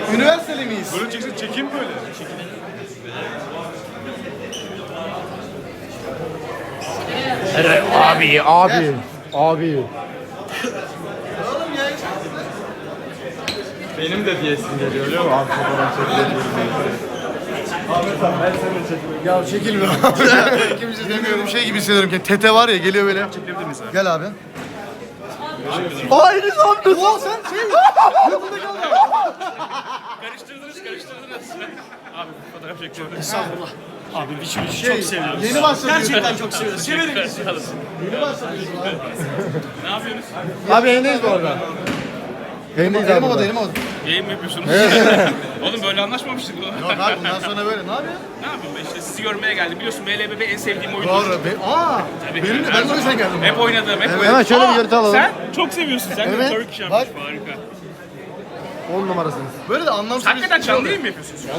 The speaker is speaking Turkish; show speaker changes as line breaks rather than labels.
Üniversiteli miyiz?
Böyle çeksin, çekeyim böyle.
Evet, abi.
Oğlum ya.
Benim de diyesim geliyor biliyor musun? Abi fotoğraf çekilebilir. Ahmet abi ben seni çekeyim.
Ya çekilmiyor. Kimse demiyorum şey gibi hissediyorum ki. Tete var ya geliyor böyle.
Çekebilir miyiz abi?
Gel abi.
Aynı zamanda.
Oo sen şey. Yanında kal ya.
Karıştırdınız. Abi fotoğraf çekiyorum.
Estağfurullah. Abi biçim
Şey,
çok seviyoruz.
yeni başladı.
Gerçekten çok seviyoruz. Severim bizi.
Yeni başladı.
Ne yapıyorsunuz?
Abi yayındayız bu arada. Yayındayız abi. Elim havada.
Yayın mı yapıyorsunuz? Oğlum böyle anlaşmamıştık bu.
Yok abi bundan sonra böyle. Ne yapıyorsun?
Ne yapayım ben işte sizi görmeye geldim. Biliyorsun MLBB en sevdiğim oyundur.
Doğru. Benim de ben de o yüzden geldim.
Hep oynadım, hep oynadım.
Hemen şöyle bir görüntü alalım.
Sen çok seviyorsun. Sen
Evet.
de Turkish
Bak.
yapmış. Harika.
10 numarasınız. Böyle de anlamsız
Hakikaten
bir şey
canlı
oluyor.
yayın mı yapıyorsunuz?